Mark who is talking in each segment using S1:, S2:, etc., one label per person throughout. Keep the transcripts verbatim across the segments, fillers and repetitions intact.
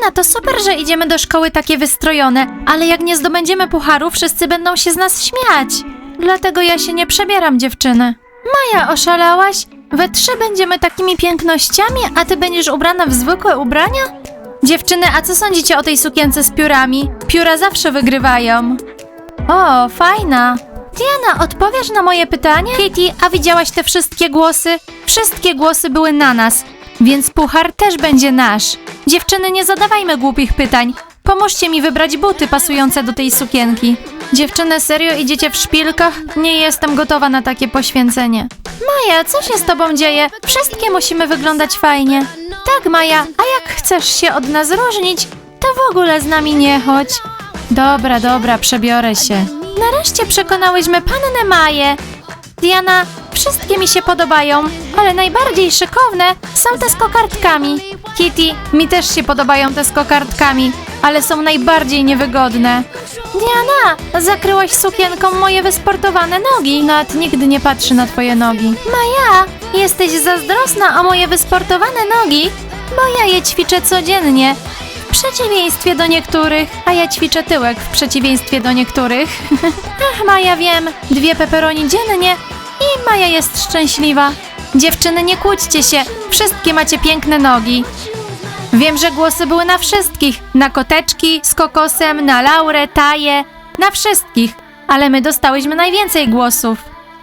S1: Diana, to super, że idziemy do szkoły takie wystrojone, ale jak nie zdobędziemy pucharu, wszyscy będą się z nas śmiać. Dlatego ja się nie przebieram, dziewczyny. Maja, oszalałaś? We trzy będziemy takimi pięknościami, a ty będziesz ubrana w zwykłe ubrania? Dziewczyny, a co sądzicie o tej sukience z piórami? Pióra zawsze wygrywają. O, fajna. Diana, odpowiesz na moje pytanie? Kitty, a widziałaś te wszystkie głosy? Wszystkie głosy były na nas, więc puchar też będzie nasz. Dziewczyny, nie zadawajmy głupich pytań. Pomóżcie mi wybrać buty pasujące do tej sukienki. Dziewczyny, serio idziecie w szpilkach? Nie jestem gotowa na takie poświęcenie. Maja, co się z tobą dzieje? Wszystkie musimy wyglądać fajnie. Tak, Maja, a jak chcesz się od nas różnić, to w ogóle z nami nie chodź. Dobra, dobra, przebiorę się. Nareszcie przekonałyśmy pannę Maję. Diana, wszystkie mi się podobają, ale najbardziej szykowne są te z kokardkami. Kitty, mi też się podobają te z kokardkami, ale są najbardziej niewygodne. Diana, zakryłaś sukienką moje wysportowane nogi. Nawet nigdy nie patrzy na twoje nogi. Maja, jesteś zazdrosna o moje wysportowane nogi, bo ja je ćwiczę codziennie. W przeciwieństwie do niektórych, a ja ćwiczę tyłek w przeciwieństwie do niektórych. Ach, Maja, wiem, dwie pepperoni dziennie i Maja jest szczęśliwa. Dziewczyny, nie kłóćcie się, wszystkie macie piękne nogi. Wiem, że głosy były na wszystkich, na koteczki z kokosem, na Laurę, Taję, na wszystkich, ale my dostałyśmy najwięcej głosów.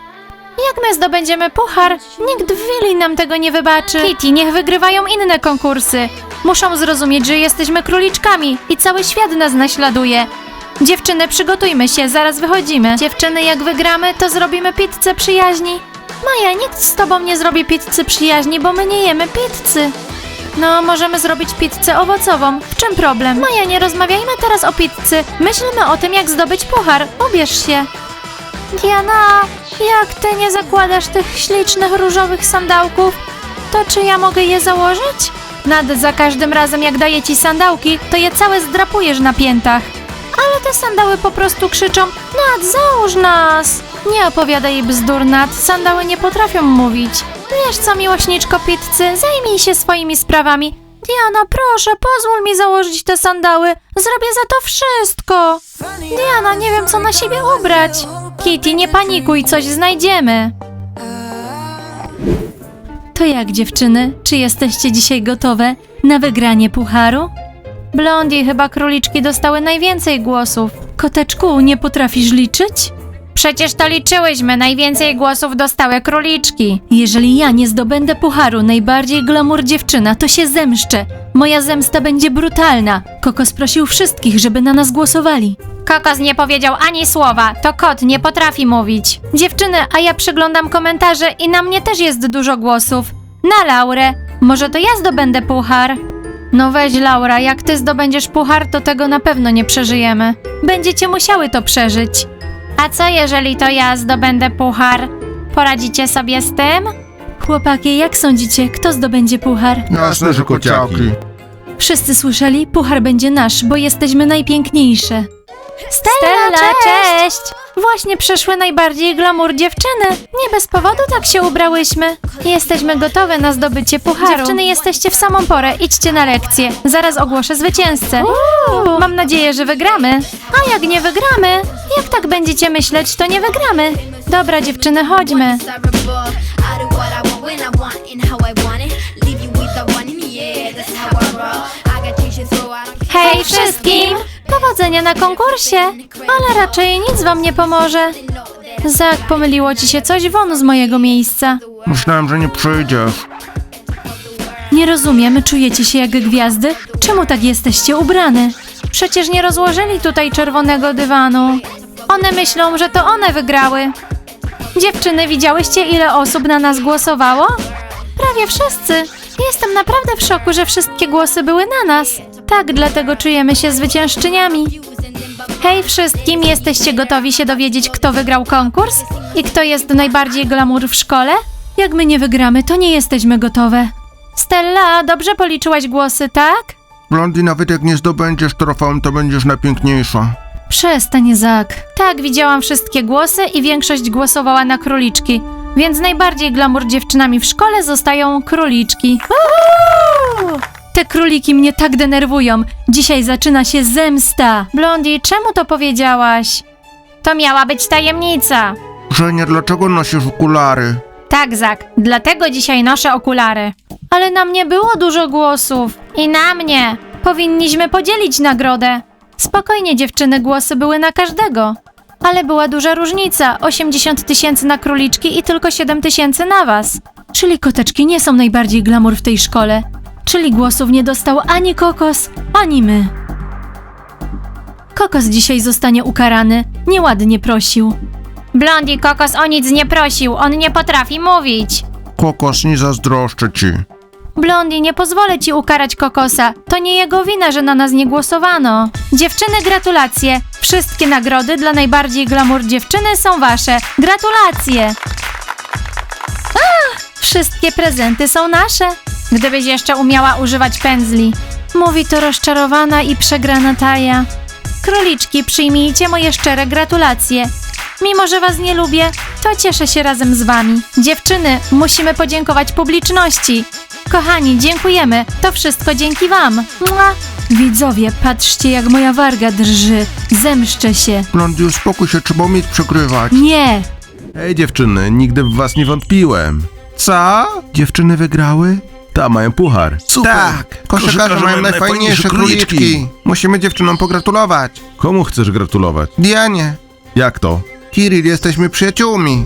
S1: Jak my zdobędziemy puchar, nikt w Willi nam tego nie wybaczy. Kitty, niech wygrywają inne konkursy. Muszą zrozumieć, że jesteśmy króliczkami i cały świat nas naśladuje. Dziewczyny, przygotujmy się, zaraz wychodzimy. Dziewczyny, jak wygramy, to zrobimy pizzę przyjaźni. Maja, nikt z tobą nie zrobi pizzy przyjaźni, bo my nie jemy pizzy. No, możemy zrobić pizzę owocową. W czym problem? Maja, nie rozmawiajmy teraz o pizzy. Myślmy o tym, jak zdobyć puchar. Ubierz się. Diana, jak ty nie zakładasz tych ślicznych różowych sandałków, to czy ja mogę je założyć? Nad za każdym razem, jak daję ci sandałki, to je całe zdrapujesz na piętach. Ale te sandały po prostu krzyczą: Nad, załóż nas! Nie opowiadaj bzdur, Nad, sandały nie potrafią mówić. Wiesz co, miłośniczko pizzy, zajmij się swoimi sprawami. Diana, proszę, pozwól mi założyć te sandały. Zrobię za to wszystko. Diana, nie wiem, co na siebie ubrać. Kitty, nie panikuj, coś znajdziemy. To jak, dziewczyny? Czy jesteście dzisiaj gotowe na wygranie pucharu? Blondie, chyba króliczki dostały najwięcej głosów. Koteczku, nie potrafisz liczyć? Przecież to liczyłyśmy, najwięcej głosów dostały króliczki. Jeżeli ja nie zdobędę pucharu najbardziej glamour dziewczyna, to się zemszczę. Moja zemsta będzie brutalna. Kokos prosił wszystkich, żeby na nas głosowali. Kokos nie powiedział ani słowa, to kot nie potrafi mówić. Dziewczyny, a ja przeglądam komentarze i na mnie też jest dużo głosów. Na Laurę. Może to ja zdobędę puchar? No weź, Laura, jak ty zdobędziesz puchar, to tego na pewno nie przeżyjemy. Będziecie musiały to przeżyć. A co jeżeli to ja zdobędę puchar? Poradzicie sobie z tym? Chłopaki, jak sądzicie, kto zdobędzie puchar?
S2: Jasne, że kociaki.
S1: Wszyscy słyszeli? Puchar będzie nasz, bo jesteśmy najpiękniejsze. Stella, cześć! cześć! Właśnie przeszły najbardziej glamour dziewczyny. Nie bez powodu tak się ubrałyśmy. Jesteśmy gotowe na zdobycie pucharu. Dziewczyny, jesteście w samą porę. Idźcie na lekcję. Zaraz ogłoszę zwycięzcę. Uuu, mam nadzieję, że wygramy. A jak nie wygramy? Jak tak będziecie myśleć, to nie wygramy. Dobra, dziewczyny, chodźmy. Hej wszystkim! Powodzenia na konkursie, ale raczej nic wam nie pomoże. Zak, pomyliło ci się coś, won z mojego miejsca.
S2: Myślałem, że nie przyjdziesz.
S1: Nie rozumiem, czujecie się jak gwiazdy? Czemu tak jesteście ubrane? Przecież nie rozłożyli tutaj czerwonego dywanu. One myślą, że to one wygrały. Dziewczyny, widziałyście, ile osób na nas głosowało? Prawie wszyscy. Jestem naprawdę w szoku, że wszystkie głosy były na nas. Tak, dlatego czujemy się zwyciężczyniami. Hej wszystkim, jesteście gotowi się dowiedzieć, kto wygrał konkurs? I kto jest najbardziej glamour w szkole? Jak my nie wygramy, to nie jesteśmy gotowe. Stella, dobrze policzyłaś głosy, tak?
S2: Blondie, nawet jak nie zdobędziesz trofeum, to będziesz najpiękniejsza.
S1: Przestań, Zak. Tak, widziałam wszystkie głosy i większość głosowała na króliczki. Więc najbardziej glamour dziewczynami w szkole zostają króliczki. Uhu! Te króliki mnie tak denerwują. Dzisiaj zaczyna się zemsta. Blondie, czemu to powiedziałaś? To miała być tajemnica.
S2: Żenia, dlaczego nosisz okulary?
S1: Tak, Zak, dlatego dzisiaj noszę okulary. Ale na mnie było dużo głosów. I na mnie. Powinniśmy podzielić nagrodę. Spokojnie, dziewczyny, głosy były na każdego. Ale była duża różnica. osiemdziesiąt tysięcy na króliczki i tylko siedem tysięcy na was. Czyli koteczki nie są najbardziej glamour w tej szkole. Czyli głosów nie dostał ani Kokos, ani my. Kokos dzisiaj zostanie ukarany. Nieładnie prosił. Blondie, Kokos o nic nie prosił. On nie potrafi mówić.
S2: Kokos, nie zazdroszczę ci.
S1: Blondie, nie pozwolę ci ukarać Kokosa. To nie jego wina, że na nas nie głosowano. Dziewczyny, gratulacje. Wszystkie nagrody dla najbardziej glamour dziewczyny są wasze. Gratulacje. Ach, wszystkie prezenty są nasze. Gdybyś jeszcze umiała używać pędzli. Mówi to rozczarowana i przegrana Taja. Króliczki, przyjmijcie moje szczere gratulacje. Mimo że was nie lubię, to cieszę się razem z wami. Dziewczyny, musimy podziękować publiczności. Kochani, dziękujemy. To wszystko dzięki wam. Mua. Widzowie, patrzcie jak moja warga drży. Zemszczę się.
S2: Blondie, uspokój się, trzeba umieć przegrywać.
S1: Nie.
S3: Hej dziewczyny, nigdy w was nie wątpiłem.
S2: Co?
S3: Dziewczyny wygrały? Ta, mają puchar. Super!
S2: Tak, koszykarze mają najfajniejsze króliczki. Musimy dziewczynom pogratulować.
S3: Komu chcesz gratulować?
S2: Dianie,
S3: Jak to?
S2: Kiril, jesteśmy przyjaciółmi.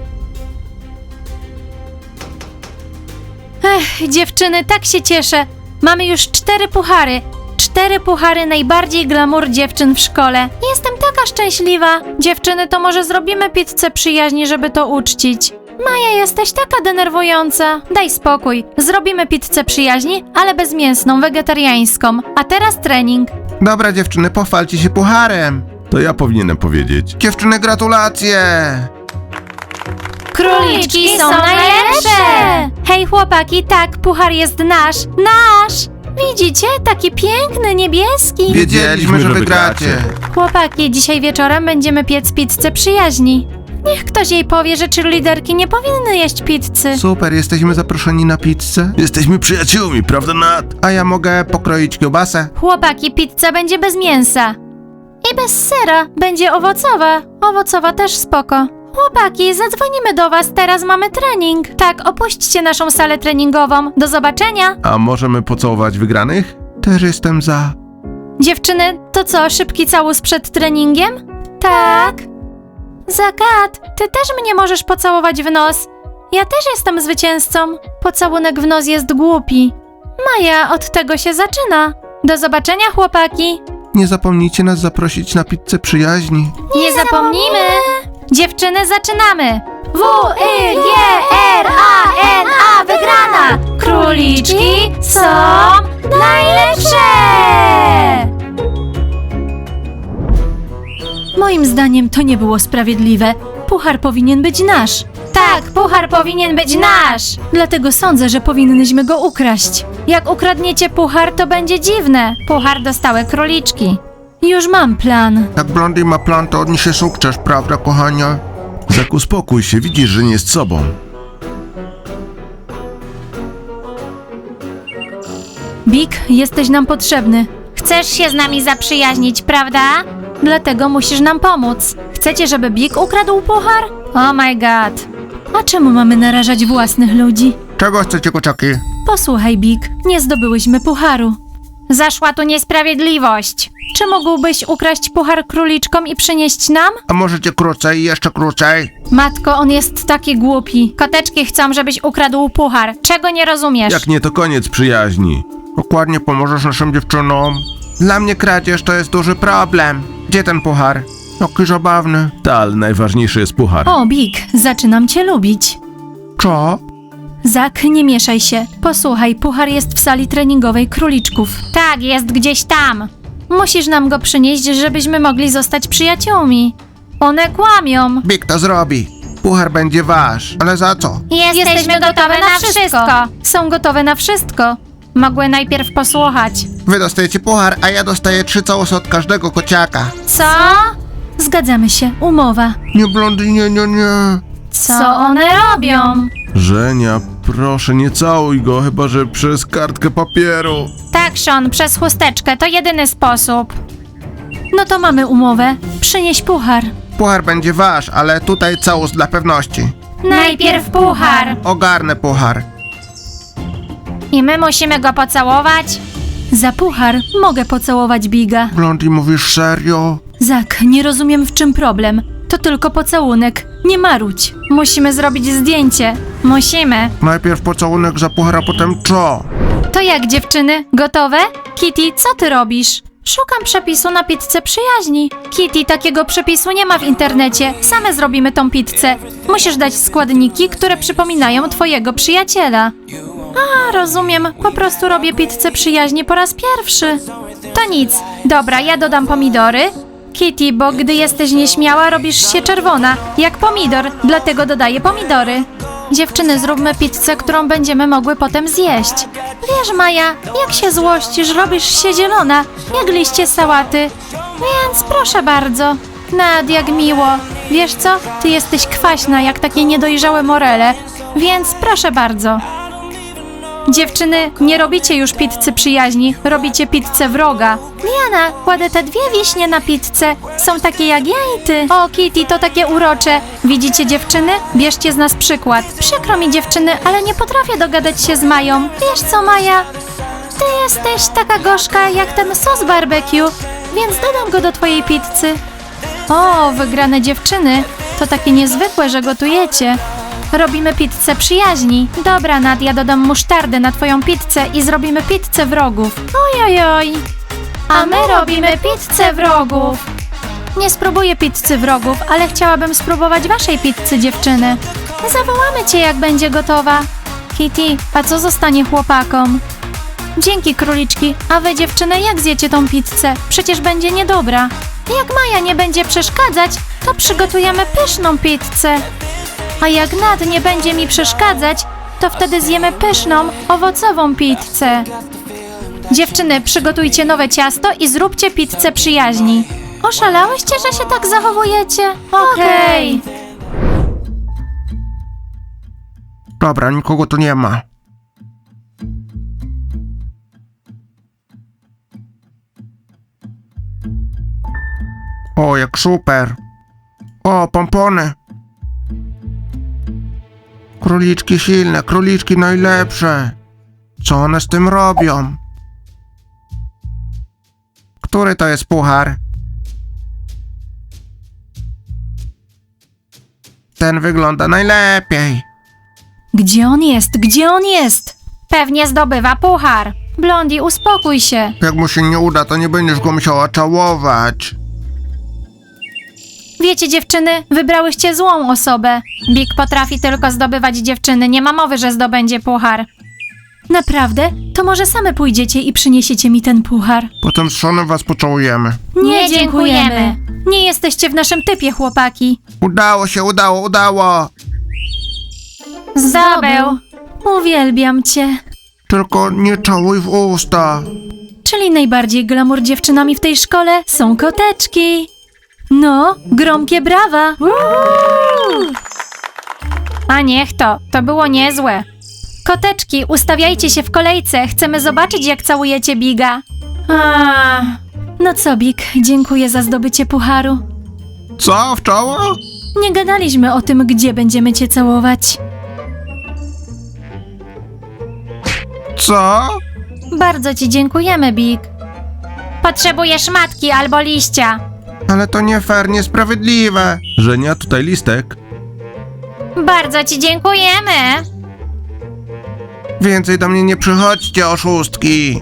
S1: Ech, dziewczyny, tak się cieszę. Mamy już cztery puchary. Cztery puchary najbardziej glamour dziewczyn w szkole. Jestem taka szczęśliwa. Dziewczyny, to może zrobimy pizzę przyjaźni, żeby to uczcić. Maja, jesteś taka denerwująca. Daj spokój. Zrobimy pizzę przyjaźni, ale bezmięsną, wegetariańską. A teraz trening.
S2: Dobra dziewczyny, pochwalcie się pucharem.
S3: To ja powinienem powiedzieć.
S2: Dziewczyny, gratulacje.
S1: Króliczki są najlepsze! Hej chłopaki, tak, puchar jest nasz. Nasz! Widzicie? Taki piękny, niebieski.
S2: Wiedzieliśmy, że wygracie.
S1: Chłopaki, dzisiaj wieczorem będziemy piec pizzę przyjaźni. Niech ktoś jej powie, że cheerleaderki nie powinny jeść pizzy.
S2: Super, jesteśmy zaproszeni na pizzę.
S3: Jesteśmy przyjaciółmi, prawda Nat?
S2: A ja mogę pokroić kiełbasę?
S1: Chłopaki, pizza będzie bez mięsa. I bez sera. Będzie owocowa. Owocowa też spoko. Chłopaki, zadzwonimy do was, teraz mamy trening. Tak, opuśćcie naszą salę treningową. Do zobaczenia.
S3: A możemy pocałować wygranych?
S2: Też jestem za.
S1: Dziewczyny, to co, szybki całus przed treningiem? Tak. Zagat, ty też mnie możesz pocałować w nos. Ja też jestem zwycięzcą. Pocałunek w nos jest głupi. Maja, od tego się zaczyna. Do zobaczenia, chłopaki.
S2: Nie zapomnijcie nas zaprosić na pizzę przyjaźni.
S1: Nie zapomnijmy! Dziewczyny, zaczynamy! W, Y, G, R, A, N, A, wygrana! Króliczki są najlepsze! Moim zdaniem to nie było sprawiedliwe. Puchar powinien być nasz. Tak, puchar powinien być nasz! Dlatego sądzę, że powinnyśmy go ukraść. Jak ukradniecie puchar, to będzie dziwne. Puchar dostały króliczki. Już mam plan.
S2: Jak Blondie ma plan, to odniesie sukces, prawda, kochania?
S3: Zak, uspokój się, widzisz, że nie jest sobą.
S1: Big, jesteś nam potrzebny. Chcesz się z nami zaprzyjaźnić, prawda? Dlatego musisz nam pomóc. Chcecie, żeby Big ukradł puchar? Oh my god. A czemu mamy narażać własnych ludzi?
S2: Czego chcecie, kociaki?
S1: Posłuchaj, Big, nie zdobyłyśmy pucharu. Zaszła tu niesprawiedliwość. Czy mógłbyś ukraść puchar króliczkom i przynieść nam?
S2: A możecie krócej, jeszcze krócej?
S1: Matko, on jest taki głupi. Koteczki chcą, żebyś ukradł puchar. Czego nie rozumiesz?
S3: Jak nie, to koniec przyjaźni.
S2: Dokładnie pomożesz naszym dziewczynom. Dla mnie kradzież to jest duży problem. Gdzie ten puchar? Jaki zabawny.
S3: Ta, ale najważniejszy jest puchar.
S1: O, Big, zaczynam cię lubić.
S2: Co?
S1: Zak, nie mieszaj się. Posłuchaj, puchar jest w sali treningowej króliczków. Tak, jest gdzieś tam. Musisz nam go przynieść, żebyśmy mogli zostać przyjaciółmi. One kłamią.
S2: Big to zrobi. Puchar będzie wasz. Ale za co?
S1: Jesteśmy gotowe na wszystko. Są gotowe na wszystko. Mogły najpierw posłuchać.
S2: Wy dostajecie puchar, a ja dostaję trzy całusy od każdego kociaka.
S1: Co? Zgadzamy się, umowa.
S2: Nie, Blondie, nie, nie, nie.
S1: Co one robią?
S3: Żenia, Proszę, nie całuj go, chyba że przez kartkę papieru.
S1: Tak, Sean, przez chusteczkę, to jedyny sposób. No to mamy umowę. Przynieś puchar.
S2: Puchar będzie wasz, ale tutaj całus dla pewności.
S1: Najpierw puchar.
S2: Ogarnę puchar.
S1: I my musimy go pocałować? Za puchar mogę pocałować Biga.
S2: Blondie, mówisz serio?
S1: Zak, nie rozumiem w czym problem. To tylko pocałunek. Nie marudź. Musimy zrobić zdjęcie. Musimy.
S2: Najpierw pocałunek za puchar, a potem co?
S1: To jak, dziewczyny? Gotowe? Kitty, co ty robisz? Szukam przepisu na pizzę przyjaźni. Kitty, takiego przepisu nie ma w internecie. Same zrobimy tą pizzę. Musisz dać składniki, które przypominają twojego przyjaciela. A, rozumiem. Po prostu robię pizzę przyjaźni po raz pierwszy. To nic. Dobra, ja dodam pomidory. Kitty, bo gdy jesteś nieśmiała, robisz się czerwona, jak pomidor, dlatego dodaję pomidory. Dziewczyny, zróbmy pizzę, którą będziemy mogły potem zjeść. Wiesz, Maja, jak się złościsz, robisz się zielona, jak liście sałaty. Więc proszę bardzo. Nad, jak miło. Wiesz co? Ty jesteś kwaśna, jak takie niedojrzałe morele. Więc proszę bardzo. Dziewczyny, nie robicie już pizzy przyjaźni, robicie pizzę wroga. Diana, kładę te dwie wiśnie na pizzę. Są takie jak ja i ty. O, Kitty, to takie urocze. Widzicie, dziewczyny? Bierzcie z nas przykład. Przykro mi, dziewczyny, ale nie potrafię dogadać się z Mają. Wiesz co, Maja? Ty jesteś taka gorzka jak ten sos barbecue, więc dodam go do twojej pizzy. O, wygrane dziewczyny. To takie niezwykłe, że gotujecie. Robimy pizzę przyjaźni. Dobra, Nadia, dodam musztardę na twoją pizzę i zrobimy pizzę wrogów. Ojojoj. A my robimy pizzę wrogów. Nie spróbuję pizzy wrogów, ale chciałabym spróbować waszej pizzy, dziewczyny. Zawołamy cię, jak będzie gotowa. Kitty, a co zostanie chłopakom? Dzięki, króliczki. A wy, dziewczyny, jak zjecie tą pizzę? Przecież będzie niedobra. Jak Maja nie będzie przeszkadzać, to przygotujemy pyszną pizzę. A jak Nad nie będzie mi przeszkadzać, to wtedy zjemy pyszną, owocową pizzę. Dziewczyny, przygotujcie nowe ciasto i zróbcie pizzę przyjaźni. Oszalałyście, że się tak zachowujecie? Okej.
S2: Dobra, nikogo tu nie ma. O, jak super. O, pompony. Króliczki silne, króliczki najlepsze. Co one z tym robią? Który to jest puchar? Ten wygląda najlepiej.
S1: Gdzie on jest? Gdzie on jest? Pewnie zdobywa puchar. Blondie, uspokój się.
S2: Jak mu się nie uda, to nie będziesz go musiała czałować.
S1: Wiecie, dziewczyny, wybrałyście złą osobę. Big potrafi tylko zdobywać dziewczyny, nie ma mowy, że zdobędzie puchar. Naprawdę? To może same pójdziecie i przyniesiecie mi ten puchar.
S2: Potem z Seanem was pocałujemy.
S1: Nie dziękujemy. Nie jesteście w naszym typie, chłopaki.
S2: Udało się, udało, udało.
S1: Zdobył. Uwielbiam cię.
S2: Tylko nie czałuj w usta.
S1: Czyli najbardziej glamour dziewczynami w tej szkole są koteczki. No, gromkie brawa. A niech to, to było niezłe. Koteczki, ustawiajcie się w kolejce, chcemy zobaczyć, jak całujecie Biga. A. No co, Big, dziękuję za zdobycie pucharu.
S2: Co, w czoło?
S1: Nie gadaliśmy o tym, gdzie będziemy cię całować.
S2: Co?
S1: Bardzo ci dziękujemy, Big. Potrzebujesz matki albo liścia.
S2: Ale to nie fair, niesprawiedliwe.
S3: Żenia, tutaj listek.
S1: Bardzo ci dziękujemy.
S2: Więcej do mnie nie przychodźcie, oszustki.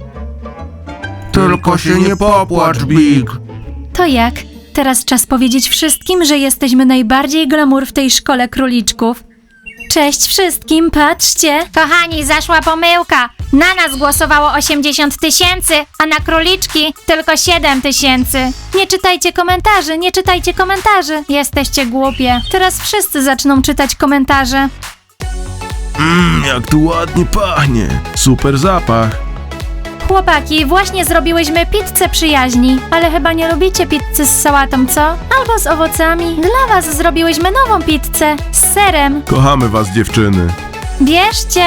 S2: Tylko się nie popłacz, Big.
S1: To jak? Teraz czas powiedzieć wszystkim, że jesteśmy najbardziej glamour w tej szkole króliczków. Cześć wszystkim, patrzcie! Kochani, zaszła pomyłka. Na nas głosowało osiemdziesiąt tysięcy, a na króliczki tylko siedem tysięcy. Nie czytajcie komentarzy, nie czytajcie komentarzy. Jesteście głupie. Teraz wszyscy zaczną czytać komentarze.
S3: Mmm, jak tu ładnie pachnie. Super zapach.
S1: Chłopaki, właśnie zrobiłyśmy pizzę przyjaźni, ale chyba nie lubicie pizzy z sałatą, co? Albo z owocami. Dla was zrobiłyśmy nową pizzę z serem.
S3: Kochamy was, dziewczyny.
S1: Bierzcie!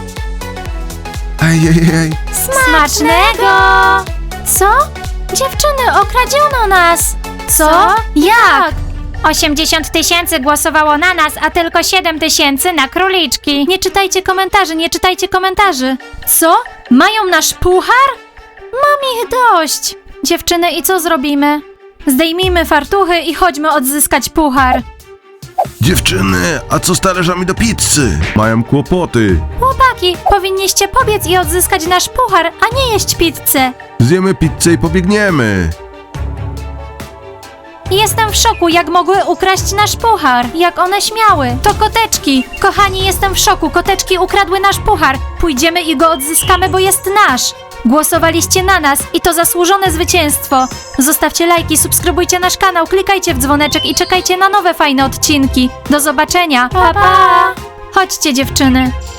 S2: Ej, ej, ej.
S1: Smacznego! Co? Dziewczyny, okradziono nas! Co? Jak? osiemdziesiąt tysięcy głosowało na nas, a tylko siedem tysięcy na króliczki. Nie czytajcie komentarzy, nie czytajcie komentarzy. Co? Mają nasz puchar? Mam ich dość. Dziewczyny, i co zrobimy? Zdejmijmy fartuchy i chodźmy odzyskać puchar.
S3: Dziewczyny, a co z talerzami do pizzy? Mają kłopoty.
S1: Chłopaki, powinniście pobiec i odzyskać nasz puchar, a nie jeść pizzę.
S3: Zjemy pizzę i pobiegniemy.
S1: Jestem w szoku, jak mogły ukraść nasz puchar. Jak one śmiały. To koteczki. Kochani, jestem w szoku. Koteczki ukradły nasz puchar. Pójdziemy i go odzyskamy, bo jest nasz. Głosowaliście na nas i to zasłużone zwycięstwo. Zostawcie lajki, subskrybujcie nasz kanał, klikajcie w dzwoneczek i czekajcie na nowe fajne odcinki. Do zobaczenia. Pa, pa! Chodźcie, dziewczyny.